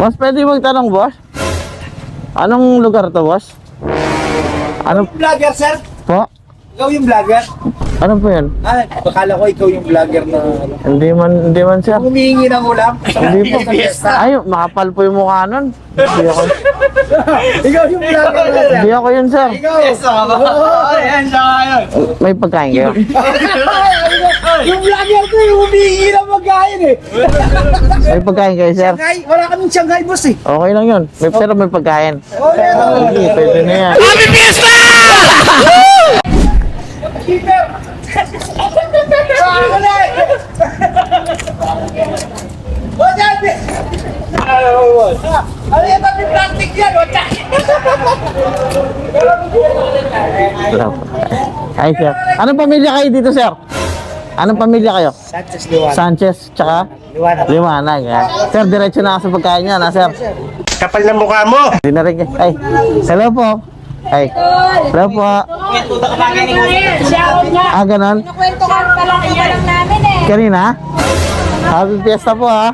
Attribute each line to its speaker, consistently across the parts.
Speaker 1: Boss, pwede magtanong, boss? Anong lugar to, boss? Ano
Speaker 2: Vlogger, sir?
Speaker 1: po?
Speaker 2: Ikaw yung vlogger?
Speaker 1: Ano po yan?
Speaker 2: Ah, bakala ko ikaw yung vlogger na ano.
Speaker 1: Hindi man, sir.
Speaker 2: Humihingi ng ulam.
Speaker 1: Hindi po.
Speaker 2: Fiesta.
Speaker 1: Ay, makapal po yung mukha nun. Hindi ako.
Speaker 2: Ikaw yung vlogger na, sir.
Speaker 1: Hindi ako yun, sir.
Speaker 2: Ikaw. Oo. Ayan, siya ngayon.
Speaker 1: May pagkain kayo.
Speaker 2: Yung vlogger ko yung humihingi ng magkain eh.
Speaker 1: May pagkain kayo, sir.
Speaker 2: Shanghai, wala kaming Shanghai, boss eh.
Speaker 1: Okay lang yun. Pero may pagkain.
Speaker 2: Oh, meron.
Speaker 1: Sige, pwede na yan.
Speaker 3: Happy Fiesta!
Speaker 2: Keeper! Ano yan, may plastic yan, o
Speaker 1: Wala po. Ay, sir. Anong pamilya kayo dito, sir? Anong pamilya kayo?
Speaker 2: Sanchez Liwanag.
Speaker 1: Sanchez, tsaka?
Speaker 2: Liwanag.
Speaker 1: Liwanag. Sir, diretso na ako sa pagkain niya, na, sir.
Speaker 3: Kapal ng mukha mo!
Speaker 1: Hindi na rin. Ay, hello po. Ay, hello po. Ah, ganon?
Speaker 4: Kwentuhan pa lang namin eh.
Speaker 1: Kanina? Happy Fiesta po, ha?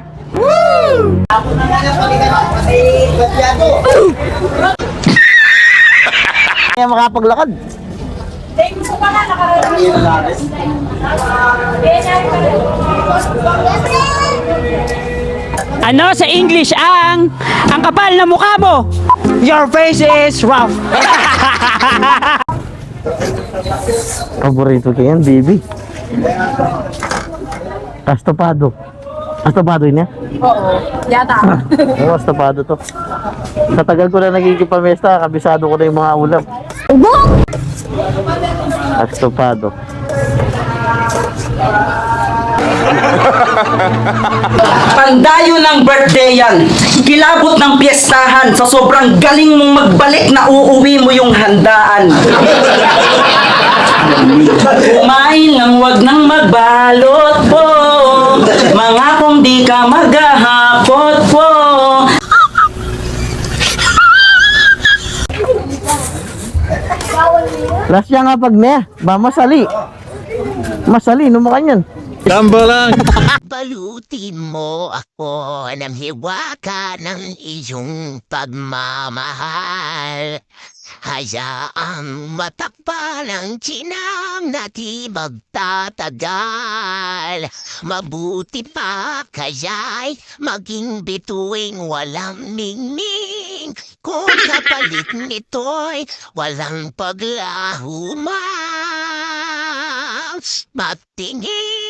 Speaker 1: Kaya makapaglakad.
Speaker 4: Thank you pa nga, nakarating.
Speaker 5: Ano sa English ang kapal na mukha mo? Your face is rough.
Speaker 1: Paborito ko yan, baby. Astopado. Astopado yun yan?
Speaker 4: Oo, yata.
Speaker 1: Oo, astopado to. Sa tagal ko na nagkikipamesta, kabisado ko na yung mga ulam. Astopado.
Speaker 6: Pandayo ng birthday yan. Kilabot ng piyestahan. Sa sobrang galing mong magbalik na uuwi mo yung handaan. Kumain ng wag nang magbalot po. Mga kung di ka maghahapot po.
Speaker 1: Last niya nga pag ne, ba masali. Masali, numakan yan.
Speaker 7: Balutin mo ako ng hiwaka ng iyong pagmamahal. Hayaang matakpan ang chinang na di magtatagal. Mabuti pa kaya'y maging bituing walang ningning. Kung kapalit nito'y walang paglahuman. Matingin